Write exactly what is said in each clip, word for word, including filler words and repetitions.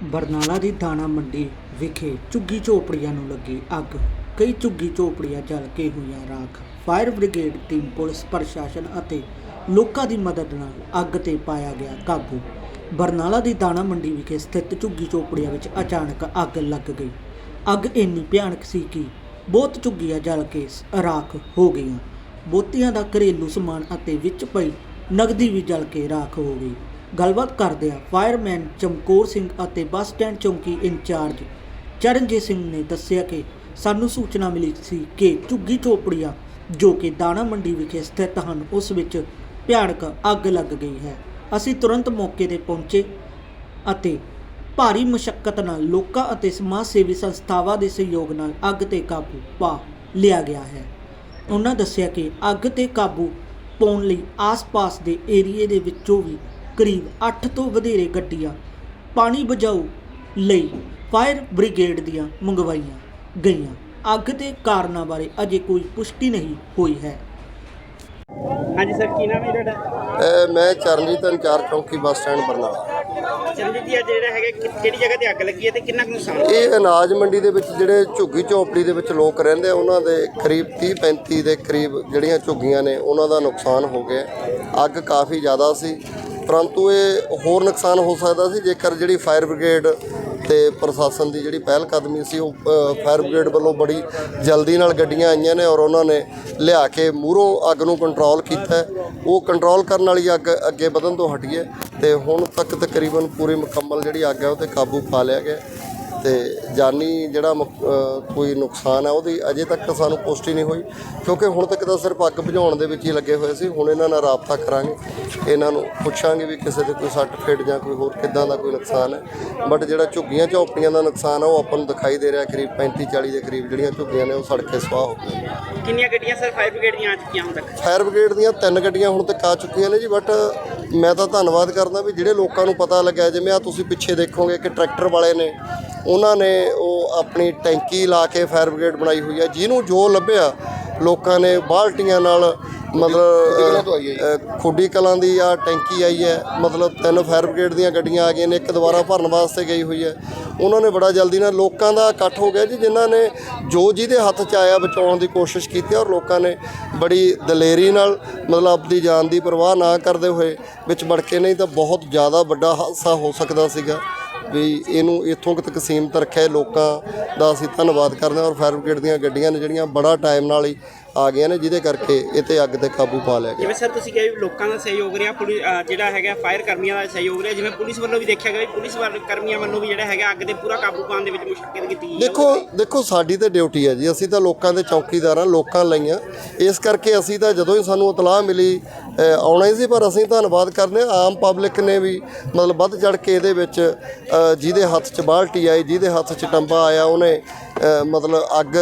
ਬਰਨਾਲਾ ਦੀ ਦਾਣਾ ਮੰਡੀ ਵਿਖੇ ਝੁੱਗੀ ਝੋਪੜੀਆਂ ਨੂੰ ਲੱਗੀ ਅੱਗ। ਕਈ ਝੁੱਗੀ ਝੋਪੜੀਆਂ ਜਲ ਕੇ ਹੋਈਆਂ ਰਾਖ। ਫਾਇਰ ਬ੍ਰਿਗੇਡ ਟੀਮ, ਪੁਲਿਸ ਪ੍ਰਸ਼ਾਸਨ ਅਤੇ ਲੋਕਾਂ ਦੀ ਮਦਦ ਨਾਲ ਅੱਗ ਤੇ ਪਾਇਆ ਗਿਆ ਕਾਬੂ। ਬਰਨਾਲਾ ਦੀ ਦਾਣਾ ਮੰਡੀ ਵਿਖੇ ਸਥਿਤ ਝੁੱਗੀ ਝੋਪੜੀਆਂ ਵਿੱਚ ਅਚਾਨਕ ਅੱਗ ਲੱਗ ਗਈ। ਅੱਗ ਇੰਨੀ ਭਿਆਨਕ ਸੀ ਕਿ ਬਹੁਤ ਝੁੱਗੀਆਂ ਜਲ ਕੇ ਰਾਖ ਹੋ ਗਈਆਂ। ਬਹੁਤਿਆਂ ਦਾ ਘਰੇਲੂ ਸਮਾਨ ਅਤੇ ਵਿੱਚ ਪਈ ਨਗਦੀ ਵੀ ਜਲ ਕੇ ਰਾਖ ਹੋ ਗਈ। ਗੱਲਬਾਤ ਕਰਦਿਆਂ ਫਾਇਰਮੈਨ ਚਮਕੌਰ ਸਿੰਘ ਅਤੇ ਬੱਸ ਸਟੈਂਡ ਚੌਂਕੀ ਇੰਚਾਰਜ ਚਰਨਜੀਤ ਸਿੰਘ ਨੇ ਦੱਸਿਆ ਕਿ ਸਾਨੂੰ ਸੂਚਨਾ ਮਿਲੀ ਸੀ ਕਿ ਝੁੱਗੀ ਝੋਪੜੀਆਂ ਜੋ ਕਿ ਦਾਣਾ ਮੰਡੀ ਵਿਖੇ ਸਥਿਤ ਹਨ, ਉਸ ਵਿੱਚ ਭਿਆਨਕ ਅੱਗ ਲੱਗ ਗਈ ਹੈ। ਅਸੀਂ ਤੁਰੰਤ ਮੌਕੇ 'ਤੇ ਪਹੁੰਚੇ ਅਤੇ ਭਾਰੀ ਮੁਸ਼ੱਕਤ ਨਾਲ ਲੋਕਾਂ ਅਤੇ ਸਮਾਜ ਸੇਵੀ ਸੰਸਥਾਵਾਂ ਦੇ ਸਹਿਯੋਗ ਨਾਲ ਅੱਗ 'ਤੇ ਕਾਬੂ ਪਾ ਲਿਆ ਗਿਆ ਹੈ। ਉਹਨਾਂ ਦੱਸਿਆ ਕਿ ਅੱਗ 'ਤੇ ਕਾਬੂ ਪਾਉਣ ਲਈ ਆਸ-ਪਾਸ ਦੇ ਏਰੀਏ ਦੇ ਵਿੱਚੋਂ ਵੀ ਕਰੀਬ ਅੱਠ ਤੋਂ ਵਧੇਰੇ ਗੱਡੀਆਂ ਪਾਣੀ ਬੁਝਾਊ ਲਈ ਫਾਇਰ ਬ੍ਰਿਗੇਡ ਦੀਆਂ ਮੰਗਵਾਈਆਂ ਗਈਆਂ। ਅੱਗ ਦੇ ਕਾਰਨਾਂ ਬਾਰੇ ਅਜੇ ਕੋਈ ਪੁਸ਼ਟੀ ਨਹੀਂ ਹੋਈ ਹੈ। ਹਾਂਜੀ ਸਰ, ਕੀ ਨਾਮ ਹੈ ਤੁਹਾਡਾ? ਮੈਂ ਚਰਨਜੀਤ ਇੰਚਾਰਜ ਚੌਂਕੀ ਬੱਸ ਸਟੈਂਡ ਬਰਨਾਲਾ। ਚਰਨਜੀਤ ਜੀ, ਅੱਜ ਜਿਹੜਾ ਹੈਗਾ ਕਿਹੜੀ ਜਗ੍ਹਾ ਤੇ ਅੱਗ ਲੱਗੀ ਹੈ ਤੇ ਕਿੰਨਾ ਕੁ ਨੁਕਸਾਨ ਹੋਇਆ? ਇਹ ਅਨਾਜ ਮੰਡੀ ਦੇ ਵਿੱਚ ਜਿਹੜੇ ਝੁੱਗੀ ਝੋਪੜੀ ਦੇ ਵਿੱਚ ਲੋਕ ਰਹਿੰਦੇ ਆ, ਉਹਨਾਂ ਦੇ ਕਰੀਬ ਤੀਹ ਪੈਂਤੀ ਦੇ ਕਰੀਬ ਜਿਹੜੀਆਂ ਝੁੱਗੀਆਂ ਨੇ ਉਹਨਾਂ ਦਾ ਨੁਕਸਾਨ ਹੋ ਗਿਆ। ਅੱਗ ਕਾਫੀ ਜ਼ਿਆਦਾ ਸੀ, ਪਰੰਤੂ ਇਹ ਹੋਰ ਨੁਕਸਾਨ ਹੋ ਸਕਦਾ ਸੀ ਜੇਕਰ ਜਿਹੜੀ ਫਾਇਰ ਬ੍ਰਿਗੇਡ ਤੇ ਪ੍ਰਸ਼ਾਸਨ ਦੀ ਜਿਹੜੀ ਪਹਿਲ ਕਦਮੀ ਸੀ, ਉਹ ਫਾਇਰ ਬ੍ਰਿਗੇਡ ਵੱਲੋਂ ਬੜੀ ਜਲਦੀ ਨਾਲ ਗੱਡੀਆਂ ਆਈਆਂ ਨੇ ਔਰ ਉਹਨਾਂ ਨੇ ਲਿਆ ਕੇ ਮੂਹਰੋਂ ਅੱਗ ਨੂੰ ਕੰਟਰੋਲ ਕੀਤਾ। ਉਹ ਕੰਟਰੋਲ ਕਰਨ ਵਾਲੀ ਅੱਗ ਅੱਗੇ ਵਧਣ ਤੋਂ ਹਟੀ ਹੈ ਤੇ ਹੁਣ ਤੱਕ ਤਕਰੀਬਨ ਪੂਰੀ ਮੁਕੰਮਲ ਜਿਹੜੀ ਅੱਗ ਹੈ ਉਹ 'ਤੇ ਕਾਬੂ ਪਾ ਲਿਆ ਗਿਆ ਤੇ ਜਾਨੀ ਜਿਹੜਾ ਕੋਈ ਨੁਕਸਾਨ ਹੈ ਉਹਦੀ ਅਜੇ ਤੱਕ ਸਾਨੂੰ ਪੁਸ਼ਟੀ ਨਹੀਂ ਹੋਈ, ਕਿਉਂਕਿ ਹੁਣ ਤੱਕ ਤਾਂ ਸਿਰਫ ਅੱਗ ਬੁਝਾਉਣ ਦੇ ਵਿੱਚ ਹੀ ਲੱਗੇ ਹੋਏ ਸੀ। ਹੁਣ ਇਹਨਾਂ ਨਾਲ ਰਾਬਤਾ ਕਰਾਂਗੇ, ਇਹਨਾਂ ਨੂੰ ਪੁੱਛਾਂਗੇ ਵੀ ਕਿਸੇ ਦੇ ਕੋਈ ਸੱਟ ਫੇਟ ਜਾਂ ਕੋਈ ਹੋਰ ਕਿੱਦਾਂ ਦਾ ਕੋਈ ਨੁਕਸਾਨ ਹੈ। ਬਟ ਜਿਹੜਾ ਝੁੱਗੀਆਂ ਝੋਪੜੀਆਂ ਦਾ ਨੁਕਸਾਨ ਹੈ ਉਹ ਆਪਾਂ ਨੂੰ ਦਿਖਾਈ ਦੇ ਰਿਹਾ, ਕਰੀਬ ਪੈਂਤੀ ਚਾਲੀ ਦੇ ਕਰੀਬ ਜਿਹੜੀਆਂ ਝੁੱਗੀਆਂ ਨੇ ਉਹ ਸੜ ਕੇ ਸੁਆਹ ਹੋ ਗਈਆਂ। ਕਿੰਨੀਆਂ ਗੱਡੀਆਂ ਸਰ ਫਾਇਰ ਬ੍ਰਿਗੇਡ ਦੀਆਂ ਆ ਚੁੱਕੀਆਂ ਹੁਣ ਤੱਕ? ਫਾਇਰ ਬ੍ਰਿਗੇਡ ਦੀਆਂ ਤਿੰਨ ਗੱਡੀਆਂ ਹੁਣ ਤੱਕ ਆ ਚੁੱਕੀਆਂ ਨੇ ਜੀ। ਬਟ ਮੈਂ ਤਾਂ ਧੰਨਵਾਦ ਕਰਦਾ ਵੀ ਜਿਹੜੇ ਲੋਕਾਂ ਨੂੰ ਪਤਾ ਲੱਗਿਆ, ਜਿਵੇਂ ਆ ਤੁਸੀਂ ਪਿੱਛੇ ਦੇਖੋਗੇ ਕਿ ਟਰੈਕਟਰ ਵਾਲੇ ਨੇ, ਉਹਨਾਂ ਨੇ ਉਹ ਆਪਣੀ ਟੈਂਕੀ ਲਾ ਕੇ ਫਾਇਰ ਬ੍ਰਿਗੇਡ ਬਣਾਈ ਹੋਈ ਹੈ। ਜਿਹਨੂੰ ਜੋ ਲੱਭਿਆ ਲੋਕਾਂ ਨੇ ਬਾਲਟੀਆਂ ਨਾਲ, ਮਤਲਬ ਖੁੱਡੀ ਕਲਾਂ ਦੀ ਆ ਟੈਂਕੀ ਆਈ ਹੈ, ਮਤਲਬ ਤਿੰਨ ਫਾਇਰ ਬ੍ਰਿਗੇਡ ਦੀਆਂ ਗੱਡੀਆਂ ਆ ਗਈਆਂ ਨੇ, ਇੱਕ ਦੁਬਾਰਾ ਭਰਨ ਵਾਸਤੇ ਗਈ ਹੋਈ ਹੈ। ਉਹਨਾਂ ਨੇ ਬੜਾ ਜਲਦੀ ਨਾਲ ਲੋਕਾਂ ਦਾ ਇਕੱਠ ਹੋ ਗਿਆ ਜੀ, ਜਿਨ੍ਹਾਂ ਨੇ ਜੋ ਜਿਹਦੇ ਹੱਥ 'ਚ ਆਇਆ ਬਚਾਉਣ ਦੀ ਕੋਸ਼ਿਸ਼ ਕੀਤੀ ਔਰ ਲੋਕਾਂ ਨੇ ਬੜੀ ਦਲੇਰੀ ਨਾਲ, ਮਤਲਬ ਆਪਣੀ ਜਾਨ ਦੀ ਪਰਵਾਹ ਨਾ ਕਰਦੇ ਹੋਏ ਵਿੱਚ ਵੜ ਕੇ, ਨਹੀਂ ਤਾਂ ਬਹੁਤ ਜ਼ਿਆਦਾ ਵੱਡਾ ਹਾਦਸਾ ਹੋ ਸਕਦਾ ਸੀਗਾ। ਵੀ ਇਹਨੂੰ ਇੱਥੋਂ ਤੱਕ ਸੀਮਤ ਰੱਖਿਆ। ਲੋਕਾਂ ਦਾ ਅਸੀਂ ਧੰਨਵਾਦ ਕਰਦੇ ਹਾਂ ਔਰ ਫਾਇਰ ਬ੍ਰਿਗੇਡ ਦੀਆਂ ਗੱਡੀਆਂ ਨੇ ਜਿਹੜੀਆਂ ਬੜਾ ਟਾਈਮ ਨਾਲ ਹੀ ਆ ਗਈਆਂ ਨੇ, ਜਿਹਦੇ ਕਰਕੇ ਇਹ 'ਤੇ ਅੱਗ 'ਤੇ ਕਾਬੂ ਪਾ ਲਿਆ ਗਿਆ। ਜਿਵੇਂ ਸਰ ਤੁਸੀਂ ਕਿਹਾ ਵੀ ਲੋਕਾਂ ਦਾ ਸਹਿਯੋਗ ਰਿਹਾ, ਪੁਲਿਸ ਜਿਹੜਾ ਹੈਗਾ ਫਾਇਰ ਕਰਮੀਆਂ ਦਾ ਸਹਿਯੋਗ ਰਿਹਾ, ਜਿਵੇਂ ਪੁਲਿਸ ਵੱਲੋਂ ਵੀ ਦੇਖਿਆ ਗਿਆ ਵੀ ਪੁਲਿਸ ਕਰਮੀਆਂ ਵੱਲੋਂ ਵੀ ਜਿਹੜਾ ਹੈਗਾ ਅੱਗ 'ਤੇ ਪੂਰਾ ਕਾਬੂ ਪਾਉਣ ਦੇ ਵਿੱਚ ਮੁਸ਼ੱਕਤ ਕੀਤੀ ਗਈ। ਦੇਖੋ ਦੇਖੋ ਸਾਡੀ ਤਾਂ ਡਿਊਟੀ ਹੈ ਜੀ, ਅਸੀਂ ਤਾਂ ਲੋਕਾਂ ਦੇ ਚੌਕੀਦਾਰ ਹਾਂ, ਲੋਕਾਂ ਲਈਆਂ। ਇਸ ਕਰਕੇ ਅਸੀਂ ਤਾਂ ਜਦੋਂ ਹੀ ਸਾਨੂੰ ਇਤਲਾਹ ਮਿਲੀ ਆਉਣਾ ਹੀ ਸੀ, ਪਰ ਅਸੀਂ ਧੰਨਵਾਦ ਕਰਦੇ ਹਾਂ ਆਮ ਪਬਲਿਕ ਨੇ ਵੀ ਮਤਲਬ ਵੱਧ ਚੜ੍ਹ ਕੇ ਇਹਦੇ ਵਿੱਚ, ਜਿਹਦੇ ਹੱਥ 'ਚ ਬਾਲਟੀ ਆਈ, ਜਿਹਦੇ ਹੱਥ 'ਚ ਟੰਬਾ ਆਇਆ, ਉਹਨੇ ਮਤਲਬ ਅੱਗ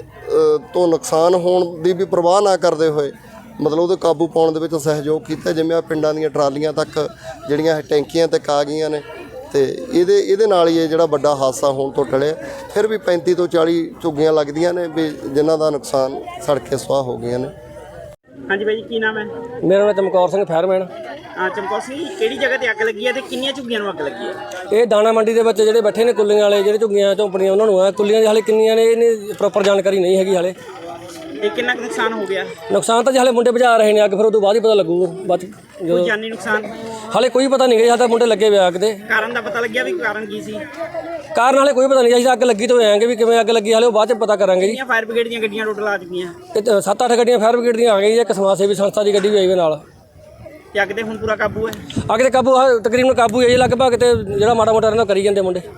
ਤੋਂ ਨੁਕਸਾਨ ਹੋਣ ਦੀ ਵੀ ਪਰਵਾਹ ਨਾ ਕਰਦੇ ਹੋਏ ਮਤਲਬ ਉਹਦੇ ਕਾਬੂ ਪਾਉਣ ਦੇ ਵਿੱਚ ਸਹਿਯੋਗ ਕੀਤਾ। ਜਿਵੇਂ ਆ ਪਿੰਡਾਂ ਦੀਆਂ ਟਰਾਲੀਆਂ ਤੱਕ ਜਿਹੜੀਆਂ ਟੈਂਕੀਆਂ ਤੱਕ ਆ ਗਈਆਂ ਨੇ ਤੇ ਇਹਦੇ ਇਹਦੇ ਨਾਲ ਹੀ ਇਹ ਜਿਹੜਾ ਵੱਡਾ ਹਾਦਸਾ ਹੋਣ ਤੋਂ ਟਲਿਆ। ਫਿਰ ਵੀ ਪੈਂਤੀ ਤੋਂ ਚਾਲੀ ਝੁੱਗੀਆਂ ਲੱਗਦੀਆਂ ਨੇ ਵੀ ਜਿਨ੍ਹਾਂ ਦਾ ਨੁਕਸਾਨ ਸੜ ਕੇ ਸੁਆਹ ਹੋ ਗਈਆਂ ਨੇ। ਹਾਂਜੀ ਬਾਈ ਜੀ, ਕੀ ਨਾਮ ਹੈ? ਮੇਰਾ ਨਾਮ ਚਮਕੌਰ ਸਿੰਘ, ਫਾਇਰਮੈਨ। ਹਾਂ ਚਮਕੌਰ ਸਿੰਘ, ਕਿਹੜੀ ਜਗ੍ਹਾ ਤੇ ਅੱਗ ਲੱਗੀ ਹੈ ਤੇ ਕਿੰਨੀਆਂ ਝੁੱਗੀਆਂ ਨੂੰ ਅੱਗ ਲੱਗੀ ਹੈ? ਇਹ ਦਾਣਾ ਮੰਡੀ ਦੇ ਵਿੱਚ ਜਿਹੜੇ ਬੈਠੇ ਨੇ ਕੁੱਲੀਆਂ ਵਾਲੇ, ਜਿਹੜੇ ਝੁੱਗੀਆਂ ਝੌਂਪੜੀਆਂ ਉਹਨਾਂ ਨੂੰ ਆ, ਕੁੱਲੀਆਂ ਦੀ ਹਾਲੇ ਕਿੰਨੀਆਂ ਨੇ ਇਹਨੇ ਪ੍ਰੋਪਰ ਜਾਣਕਾਰੀ ਨਹੀਂ ਹੈਗੀ ਹਾਲੇ। ਇਹ ਕਿੰਨਾ ਕੁ ਨੁਕਸਾਨ ਹੋ ਗਿਆ? ਨੁਕਸਾਨ ਤਾਂ ਹਾਲੇ ਮੁੰਡੇ ਬੁਝਾ ਰਹੇ ਨੇ ਅੱਗ, ਫਿਰ ਉਹ ਤੋਂ ਬਾਅਦ ਹੀ ਪਤਾ ਲੱਗੂ। ਬਾਅਦ ਕੋਈ ਜਾਨੀ ਨੁਕਸਾਨ ਹਾਲੇ ਕੋਈ ਪਤਾ ਨਹੀਂ ਗਿਆ, ਤਾਂ ਮੁੰਡੇ ਲੱਗੇ ਹੋਏ ਅੱਗ ਦੇ। ਕਾਰਨ ਦਾ ਪਤਾ ਲੱਗਿਆ ਵੀ ਕਾਰਨ ਕੀ ਸੀ? ਕਾਰਨ ਹਾਲੇ ਕੋਈ ਪਤਾ ਨਹੀਂ, ਅਸੀਂ ਅੱਗ ਲੱਗੀ ਤੋਂ ਆਏਂਗੇ ਵੀ ਕਿਵੇਂ ਅੱਗ ਲੱਗੀ, ਹਾਲੇ ਉਹ ਬਾਅਦ 'ਚ ਪਤਾ ਕਰਾਂਗੇ ਜੀ। ਫਾਇਰ ਬ੍ਰਿਗੇਡ ਦੀਆਂ ਗੱਡੀਆਂ ਟੋਟਲ ਆ ਚੁੱਕੀਆਂ? ਤੇ ਸੱਤ ਅੱਠ ਗੱਡੀਆਂ ਫਾਇਰ ਬ੍ਰਿਗੇਡ ਦੀਆਂ ਆ ਗਈਆਂ, ਇੱਕ ਸਮਾਜ ਸੇਵੀ ਸੰਸਥਾ ਦੀ ਗੱਡੀ ਵੀ ਆਈ ਹੋਈ ਨਾਲ। ਤੇ ਅੱਗ ਤੇ ਹੁਣ ਪੂਰਾ ਕਾਬੂ ਹੈ? ਅੱਗ 'ਤੇ ਕਾਬੂ ਤਕਰੀਬਨ ਕਾਬੂ ਹੈ ਜੀ, ਲਗਭਗ ਤੇ ਜਿਹੜਾ ਮਾੜਾ ਮੋਟਾ ਰਹਿੰਦਾ ਕਰੀ ਜਾਂਦੇ ਮੁੰਡੇ।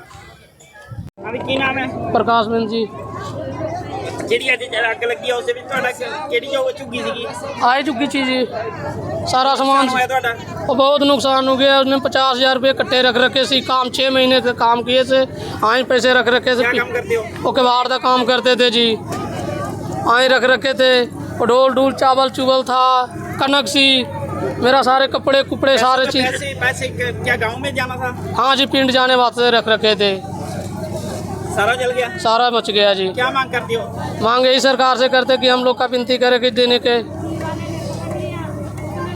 ਹਾਂ ਵੀ ਕੀ ਨਾਮ ਹੈ? ਪ੍ਰਕਾਸ਼ ਮਿੰਦ ਜੀ। ਜਿਹੜੀ ਅੱਜ ਅੱਗ ਲੱਗੀ ਹੈ ਉਸ ਦੇ ਵਿੱਚ ਤੁਹਾਡਾ ਕਿਹੜੀ ਜੋ ਝੁੱਗੀ ਸੀਗੀ? आए चुकी चीज सारा सामान ਹੋਇਆ ਤੁਹਾਡਾ? और बहुत नुकसान हो गया। उसने पचास हजार रुपये इकट्ठे रख रखे सी, काम छः महीने के काम किए थे, आए पैसे रख रखे क्या थे। काम करते हो? वो कबाड़ का काम करते थे जी, आए रख रखे थे। और ढोल ढूल चावल चुवल था, कनक सी, मेरा सारे कपड़े कुपड़े सारे चीज़। पैसे पैसे क्या गाँव में जाना था? हाँ जी, पिंड जाने वास्ते रख रखे थे। सारा जल गया? सारा बच गया जी। क्या मांग करते हो? मांग यही सरकार से करते कि हम लोग का विनती करें कि देने के